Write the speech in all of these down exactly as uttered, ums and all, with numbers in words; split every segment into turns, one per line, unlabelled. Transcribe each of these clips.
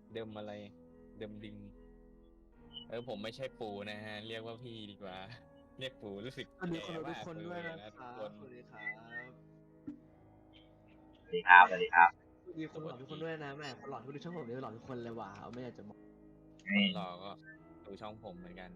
เดิมอะไรเดิมดิงเออผมไม่ใช่ปู่นะฮะเรียกว่าพี่ดีกว่าเรียกปู่รู้สึก
สวัสดี
แก่
คนดูทุก
มาก
คน
เล
ด้วย
ย
นะ
นะ
ค
ทุก
รับ
คน
สวัสดีครับ
สวัสดีครับสวัสดีครับ
สวัสดีคนหล่อทุกคนด้วยนะแม่คนหล่อที่ดูช่องผมเนี่ยหล่อทุกคนเลยว่ะไม่อยากจะบอก
คนหล่อก็ดูช่องผมเหมือนกัน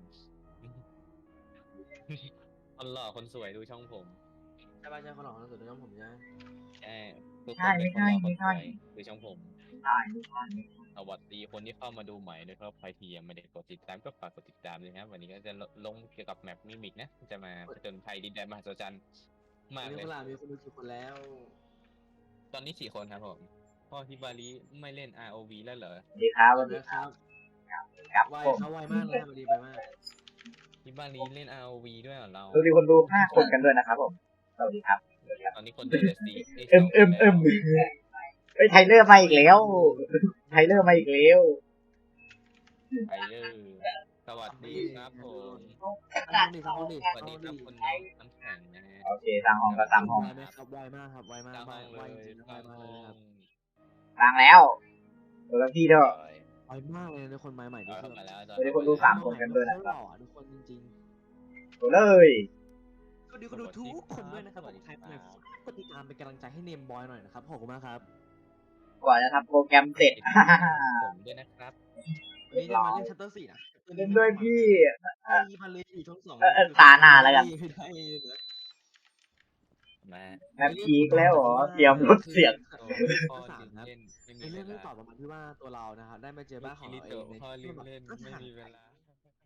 คนหล่อคนสวยดูช่องผม
ใช่ป่ะใช่คนหล่อคนสวยดูช่องผมใช่ไหม
ใช่ทุกคนเป็นคนหล่อคนสวยดูช่องผม
ใช่ไม่ใช่ไม่ใช่
สวัสดีคนที่เข้ามาดูใหม่ด้วยครับใครที่ยังไม่ได้กดติดตามก็ฝากกดติดตามด้วยนะครับวันนี้ก็จะลงเกี่ยวกับแมปมิมิกนะจะมาผจญภัยดินแดนมหัศจรรย์มาก
วัน
เล
นี้
ย
คนหล่อมีคนดูกี่คนแล้ว
ตอนนี้สี่คนครับผมพ่อฮิบาริไม่เล่น อาร์ โอ วี แล้วเหรอ
สวัสดีครับสวัสดี
นะครับ
ครับ
ไว
ผม
เขาไวมากเลยสวัสดีไปมาก
ฮิบาริเล่น อาร์ โอ วี ด้วยเหรอเรา
สวัสดีคนดูห้าคนกันด้วยนะครับผมสวัสดีครับสวัสดีครับ
ตอนนี้คนดูเหลือสี่
เอ็มเอ็มเอ็มเฮ้ยไทเลอร์มาอีกแล้วไทเลอร์มาอีกแล้ว
ไทเลอร์สวัสดีครับผม
ห้องดีครับห้องดี
สวัสดีครับคุณน้องน้ำแข็งนะฮะ
โอเคสร้างห้องก็สร้างห้อง
ไวไหมครับไวมากครับไวมาก
ตั้ง
ไว
ห้อง
ไว
เลย
จริงๆไว
ตั้ง
มาก
ห้
เลย
อ
ครับ
ง
สร้างแล้วตัวละที่เถอะ
ไวมากเลยในคนใหม่ๆ
เอา
ทุกค
เข้าน มาแล้ว
สวัสดีคนดูสามคนกันด้วยนะค
ห
รับ
ล่อทุกคนจริง
ตัวเลย
ๆสวัสดีคนดูทุกคนด้วยนะครับผมใครเป็นกดติดตามเป็นกำลังใจให้เนมบอยหน่อยนะครับขอบคุณมากครับ
กว่าจะทำโปรแกรมเสร็จ
ผมด้วยนะครับ
วันนี้จะมาเล่นชัตเตอร์สี่นะ
เล่นด้วยพี่
ไอ้มาเลยอยู่ช่องสอง
เออเออตาหน้าแล้วกัน
ไม่ได้นะ
มา
แมปพีกแล้วเหรอเตรียมลดเสียง
โอ้พ่อลืมเล่นไม่มี
ใน
เว
เรื่องเรื่อง
ลา
ต่อประมาณที่ว่าตัวเรานะครับได้มาเจอบ้านของ
คิริ
เราเอ
โตะ
ง
พ่อลืมเล่น
ก็
ไม่
ห่าง
มีเวลา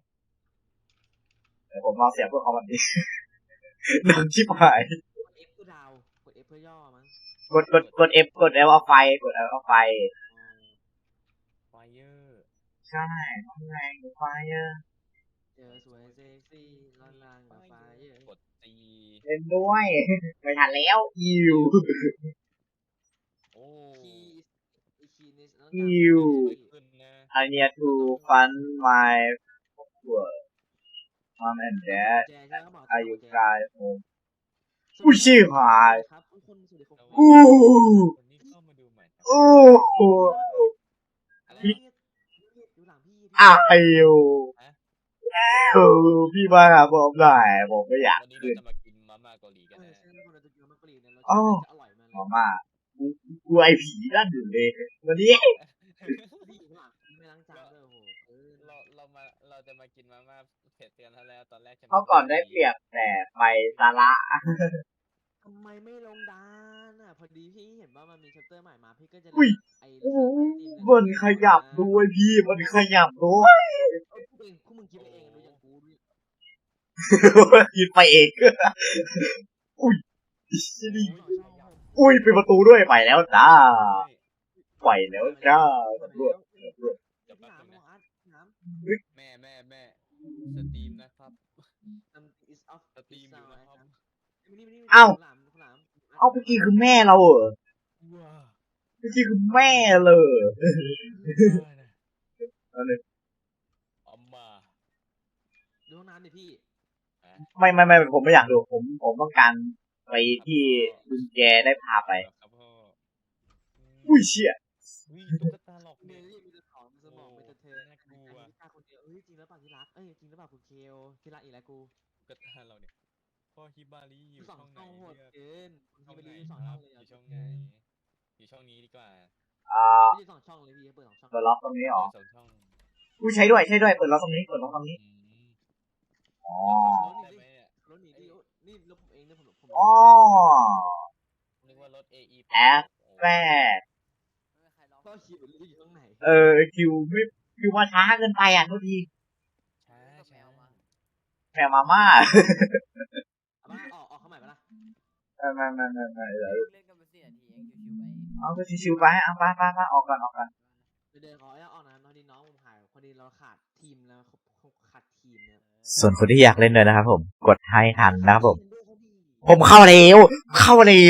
เดี๋ยวผมเอาเสียงพวกเขามันดิ ดังชิบหาย
กด F เพื่อดาวกด F เพื่อย่อมั้ง
กดกดกด F กด L เอาไฟกด L เอาไฟ
ไฟเยอร์
ใช่น้องแรงไฟเยอะ
เจอสวยเซ็กซี่ลอนลางกับไฟเยอะ
กดตี
เล่นด้วย ไม่ทันแล้วอิว
โอ้
คีอีคีนี่ต้อง
อิว
สวยขึ้นนะ
I need to fund my work mom and dad
แจใช่ไหมครับหมอ
are you guys home
สวัสดี
อุ้ยชิบหาย
ครับทุกคนสวัสดีครับ
อู้
คนนี้เข้ามาดูใหม่ครับ
โอ้โห
อะไรเนี่ยดูหลังพี่
อ้าวไอ้ยูเออพี่มาหาผมหน่อยผมไม่อยาก
วันนี้
ขึ้น
เราจะมากินมาม่าเกาหลีกัน
เออ
นะ
ใช่คนเราจะกินมะกรีดเนี่ยเรา
อ้าว
จะอร่อยมาก
หมอมากูกูไอผีนั่นอยู่เลยวันนี้
พี่อยู่ข้างหลังไม่ล้างจานด้วยโอ้โหเออ
เราเรามาเราจะมากินมาม่าเผ็ดกันแล้วตอนแรกจะ
เขาก่อนได้เปรียบแต่ไปซาระ
ทำไมไม่ลงดานอ่ะพอดีพี่เห็นว่ามันมีชัปเตอร์ใหม่มาพี่ก็จะ
อุ้ย
ไอ้
โอ้โหมันขยับด้วยพี่มันขยับด้วย
เออพูดเองพวกมึงคิดไปเองดูอย่างกูดิ
กินไปเองอุ้ย
นี่
อุ้ยเป็นประตูด้วยไปแล้วจ้าไปแล้วจ้าตำรวจตำรวจ
เดี๋ยวแป๊บ
น้ำ
นึง
น้
นะ
ำน้ำ
แม่แม่แม่สตรีมนะครับ
น้ำ is off
สตรีมอยู่นะครับ
เอ้า
หลามหลาม
เอาเมื่อกี้คือแม่เราเหรอ
ว้า
เมื่อกี้คือแม่เลย
ได้นะ
เอาเลย
เอามา
ดูห้องน้ำดิพี่
ไม่ไม่ไม่ผมไม่อยากดูผมผมต้องการไปที่ลุงแกได้พาไป
ครับพ่อ
อุ้ยเชี่ย
อุ้ยตุ๊กตาหลอก
เม
เด็ก
ลี่มีแต่ของมีสมองมีแต่เธอ
น่ากลัว
อันนี้ตาคนเดียวเอ้ยจริงหรือเปล่าที่รักเอ้ยจริงหรือเปล่าคุณเคลที่รักอีกแล้วกู
ตุ๊กตาเราเนี่ยพ่อฮิบาริอยู่
สอง
ช่องไหน
ช่องโหด
เลือก
เกินคุณ
ช่อง
ที่
ไหน
ไปดูสอง
ค
ช่
รั
อบ งเลย
อยู่ช่องไหนอยู่ช่องนี้ดีกว่า
อ่า
ไม่ใช่สองช่องเลยพี่เปิดสองช่อง
เปิดล็อกตรงนี้เหรอ
สองช่อง
อุ้ยใช้ด้วยใช้ด้วยเปิดล็อกตรงนี้เปิดล็อกตรงนี้
อืม
อ๋อ
ได้ไหมเนี่ย
รถหนีดินี่รถผมเองเนี่ยผมผม
อ๋อ
นึกว่ารถ เอ อี
แอด แม่
ก็คิวอยู่ข้างไหน
เออคิวไม่คิวมาช้าเกินไปอ่ะทุกที
ช้าช้า
แม่มาม่า
เอามาออกออกเข้าใหม่ปะล่ะ
ไม่ไม่ไม่ไม่ไม่เดี๋ยว
เล่นกันไปสี่นาทีเองชิวๆไป
เอาก็ชิวๆไปเอาไปไปไปออกก่อนออกก่อน
เดินขอออกนะพอดีน้องผมหายพอดีเราขาดทีมแล้วขาดทีมเนี่ย
ส่วนคนที่อยากเล่นด้วยนะครับผม กดให้ทันนะครับผม ผมเข้าแล้วเข้าแล้ว